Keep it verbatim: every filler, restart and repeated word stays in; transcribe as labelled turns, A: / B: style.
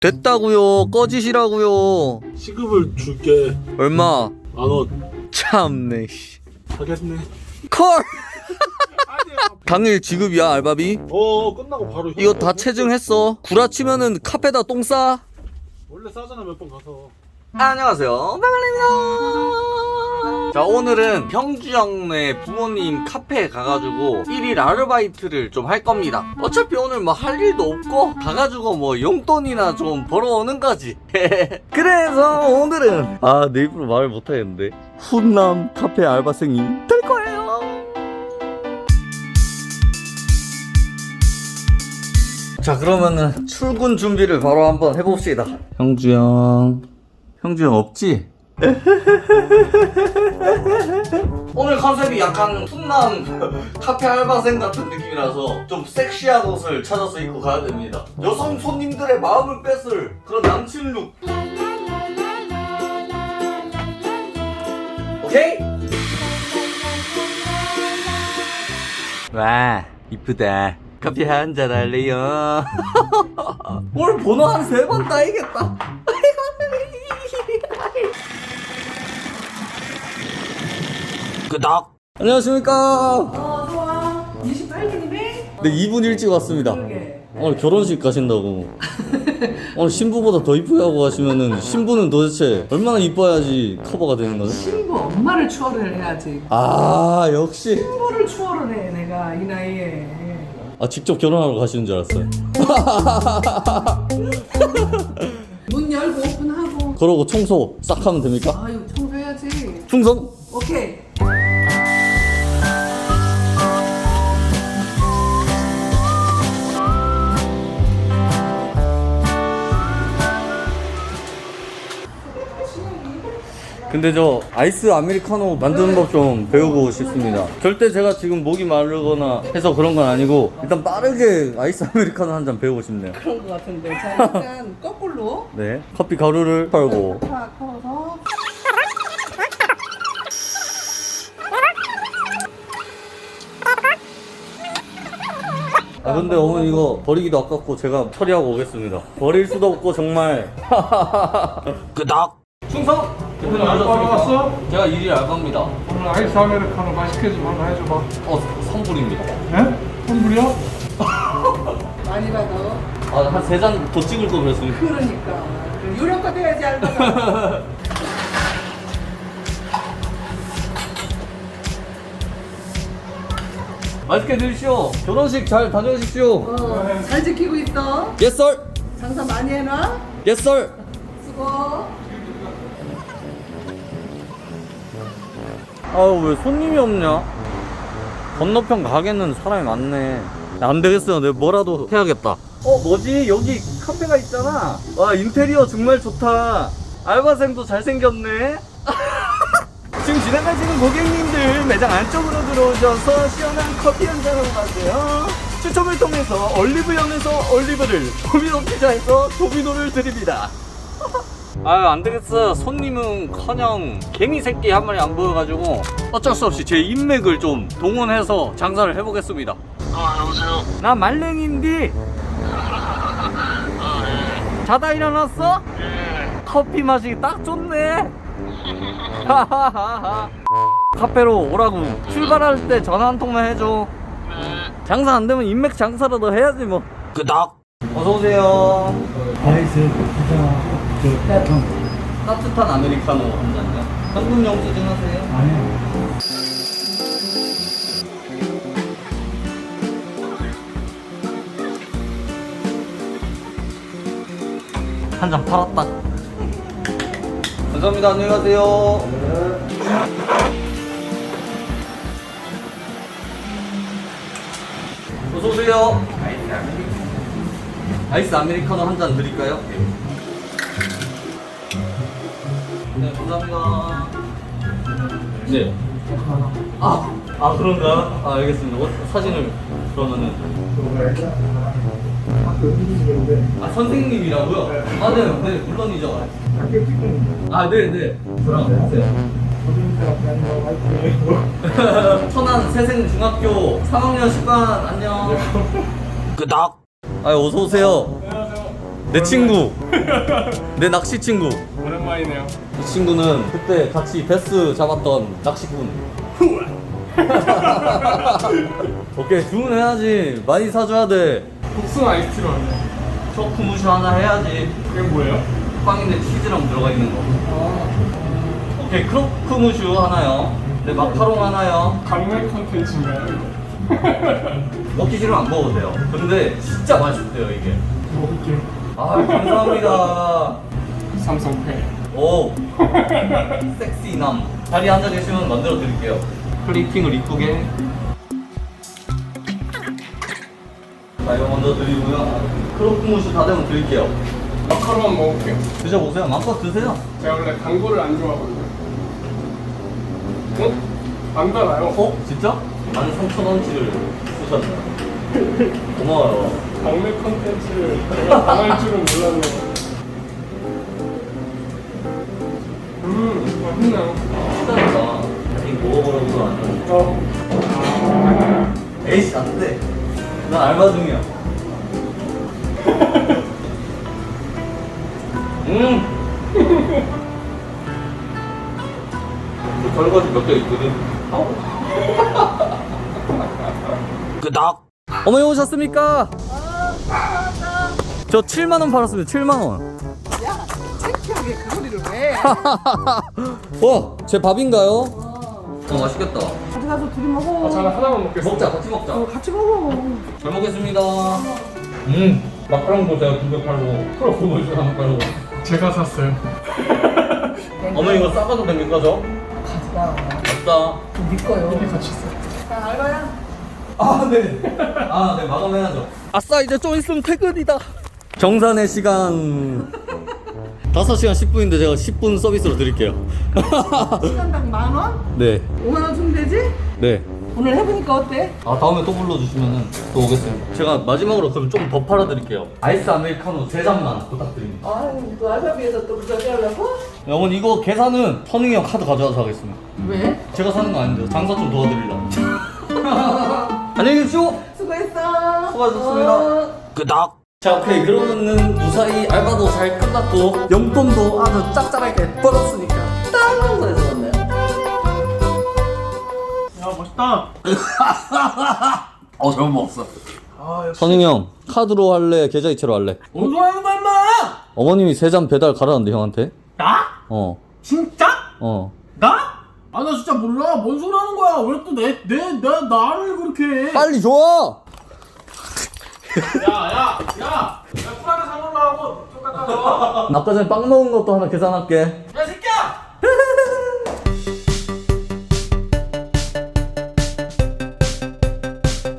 A: 됐다고요. 꺼지시라고요.
B: 시급을 줄게.
A: 얼마?
B: 만원.
A: 참네. 씨.
B: 하겠네.
A: 콜. 당일 지급이야 알바비.
B: 어 끝나고 바로.
A: 이거 다 체증했어. 구라치면은 카페다 똥 싸.
B: 원래 싸잖아 몇 번 가서.
A: 안녕하세요, 백알입니다. 자, 오늘은 형주 형네 부모님 카페에 가가지고 일일 아르바이트를 좀 할 겁니다. 어차피 오늘 뭐 할 일도 없고 가가지고 뭐 용돈이나 좀 벌어오는 거지. 그래서 오늘은 아 내 입으로 말을 못하겠는데 훈남 카페 알바생이 될 거예요. 자, 그러면은 출근 준비를 바로 한번 해봅시다. 형주 형 형주 형 없지? 오늘 컨셉이 약간 훈남 카페 알바생 같은 느낌이라서 좀 섹시한 옷을 찾아서 입고 가야 됩니다. 여성 손님들의 마음을 뺏을 그런 남친 룩. 오케이? 와 이쁘다. 커피 한잔 할래요? 오늘 번호 한 세 번 따이겠다. 끄덕. 안녕하십니까.
C: 어 좋아. 이십팔 일이네?
A: 네, 이 분 일찍 왔습니다.
C: 그러게.
A: 오늘 결혼식 가신다고. 오늘 신부보다 더 이쁘게 하고 가시면은 신부는 도대체 얼마나 이뻐야지 커버가 되는 거죠?
C: 신부 엄마를 추월을 해야지.
A: 아 역시.
C: 신부를 추월을 해 내가 이 나이에.
A: 아 직접 결혼하러 가시는 줄 알았어요.
C: 문 열고 오픈하고.
A: 그러고 청소 싹 하면 됩니까?
C: 아유 청소해야지.
A: 충성.
C: 오케이.
A: 근데 저 아이스 아메리카노 만드는 법 좀 배우고 싶습니다. 절대 제가 지금 목이 마르거나 해서 그런 건 아니고 일단 빠르게 아이스 아메리카노 한 잔 배우고 싶네요.
C: 그런 거 같은데. 자 일단 거꾸로.
A: 네, 커피 가루를 팔고.
C: 탁 털어서.
A: 아 근데 어머니 이거 버리기도 아깝고 제가 처리하고 오겠습니다. 버릴 수도 없고 정말. 끄덕. 충성.
D: 오늘 알바 왔어?
A: 제가 일일 알바입니다.
D: 오늘 아이스 아메리카노 맛있게 좀 하나 해줘봐.
A: 어 선불입니다.
D: 네? 선불이야?
C: 많이 받아.
A: 아한 세 잔 더 찍을 거 그랬습니다.
C: 그러니까. 유료가 돼야지 알바가.
A: 맛있게 드십시오. 결혼식 잘 다녀오십시오.
C: 어, 잘 지키고 있어.
A: Yes sir.
C: 장사 많이 해놔.
A: Yes sir.
C: 수고.
A: 아유 왜 손님이 없냐? 건너편 가게는 사람이 많네. 안 되겠어요. 내가 뭐라도 해야겠다. 어 뭐지? 여기 카페가 있잖아. 와 인테리어 정말 좋다. 알바생도 잘생겼네. 지금 지나가시는 고객님들 매장 안쪽으로 들어오셔서 시원한 커피 한잔하고 가세요. 추첨을 통해서 올리브영에서 올리브를, 도미노 피자에서 도미노를 드립니다. 아유 안되겠어. 손님은커녕 개미 새끼 한 마리 안 보여가지고 어쩔 수 없이 제 인맥을 좀 동원해서 장사를 해보겠습니다.
B: 아 여보세요.
A: 나 말랭인디. 자다 일어났어? 커피 맛이 딱 좋네. 카페로 오라고 출발할 때 전화 한 통만 해줘. 장사 안 되면 인맥 장사라도 해야지 뭐. 끄덕. 어서 오세요.
D: 아이스 피자 따뜻한
A: 따뜻한 아메리카노 한 잔요. 현금 영수증 하세요.
D: 아니야.
A: 한 잔 팔았다. 감사합니다. 안녕히 가세요. 어서 오세요. 아이스 아메리카노 한 잔 드릴까요? 네, 감사합니다. 네. 아, 아 그런가? 아 알겠습니다. 어, 사진을 그러면은. 아 선생님이라고요? 아 네, 네 물론이죠. 아 네, 네. 들어가세요. 천안 세생중학교 삼 학년 십 반 안녕. 끄덕. 아 어서 오세요.
D: 안녕하세요.
A: 내 친구. 내 낚시 친구.
D: 오랜만이네요.
A: 이 친구는 그때 같이 베스 잡았던 낚시꾼. 오케이, 주문해야지. 많이 사줘야 돼.
D: 복숭아 아이스티로 하네.
A: 초크무시 하나 해야지.
D: 이게 뭐예요?
A: 빵인데 치즈랑 들어가 있는 거. 오케이, 크로크무슈 하나요. 네, 마카롱 하나요.
D: 강매 컨텐츠인가요?
A: 먹기 싫으면 안 먹어도 돼요. 근데 진짜 맛있대요, 이게.
D: 먹을게요.
A: 아, 감사합니다.
D: 삼성페이.
A: 오, 섹시남. 자리에 앉아 계시면 만들어 드릴게요. 플레이팅을 이쁘게. 자, 이거 먼저 드리고요. 크로크무슈 다 되면 드릴게요.
D: 마카롱 한번 먹을게요.
A: 드셔보세요. 마음껏 드세요.
D: 제가 원래 단 거를 안 좋아하거든요. 어? 안 달아요.
A: 어? 진짜? 만 삼천 원치를 쓰셨네요. 고마워요.
D: 강매 컨텐츠를 제가 당할 줄은 몰랐네요. 음, 맛있네요.
A: 진짜다. 이거 먹어보려고 안 해.
D: 어.
A: 에이씨, 안 돼. 나 알바 중이야. 음! 그 설거지 몇 개 있거든. 끄덕! 어머니 오셨습니까? 저 칠만 원 팔았습니다. 칠만 원.
C: 야, 창피하게 그 소리를 왜?
A: 와, 제 밥인가요? 어, 맛있겠다.
C: 가져가서 둘이 먹어.
D: 아, 저는 하나만 먹겠습니다.
A: 먹자, 같이 먹자.
C: 어, 같이 먹어.
A: 잘 먹겠습니다. 음, 마카롱도 제가 두 개 팔고, 크로크무슈 하나 팔고.
D: 제가 샀어요.
A: 어머니 이거 싸가도 됩니까, 저?
C: 가져가.
A: 맞다.
C: 네 거요.
D: 이렇게 같이 있어요.
C: 자, 알바야.
A: 아, 네. 아, 네, 마감해야죠. 아싸, 이제 좀 있으면 퇴근이다. 정산의 시간. 다섯 시간 십 분인데 제가 십 분 서비스로 드릴게요.
C: 시간당 만 원?
A: 네,
C: 오만 원 주면 되지?
A: 네.
C: 오늘 해보니까 어때?
A: 아, 다음에 또 불러주시면 또 오겠습니다. 제가 마지막으로 그럼 좀 더 팔아드릴게요. 아이스 아메리카노 세 잔만 부탁드립니다.
C: 아유, 또 알바비에서 또 그저기 하려고?
A: 네, 어머니 이거 계산은 선웅이 형 카드 가져와서 하겠습니다.
C: 왜?
A: 제가 사는 거 아닌데 장사 좀 도와드리려고. 안녕히 계십시오.
C: 수고했어.
A: 수고하셨습니다.
C: 어.
A: 끄덕. 자, 오케이. 그러면은 무사히 알바도 잘 끝났고 용돈도 아주 짭짤하게 벌었으니까 딴 장사에서 왔네요.
B: 야 멋있다.
A: 어, 잘못 먹었어.
B: 아 역시.
A: 선웅이 형, 카드로 할래? 계좌이체로 할래?
B: 뭔 소리 하는 거야 임마?
A: 어머님이 세 잔 배달 가라는데 형한테?
B: 나?
A: 어,
B: 진짜?
A: 어.
B: 나? 아 나 진짜 몰라. 뭔 소리 하는 거야? 왜 또 내 내 내 나를 그렇게 해?
A: 빨리 줘!
B: 야야야! 야! 야 쿨하게 상 올라가고 똑같아서.
A: 아까 전에 빵 먹은 것도 하나 계산할게.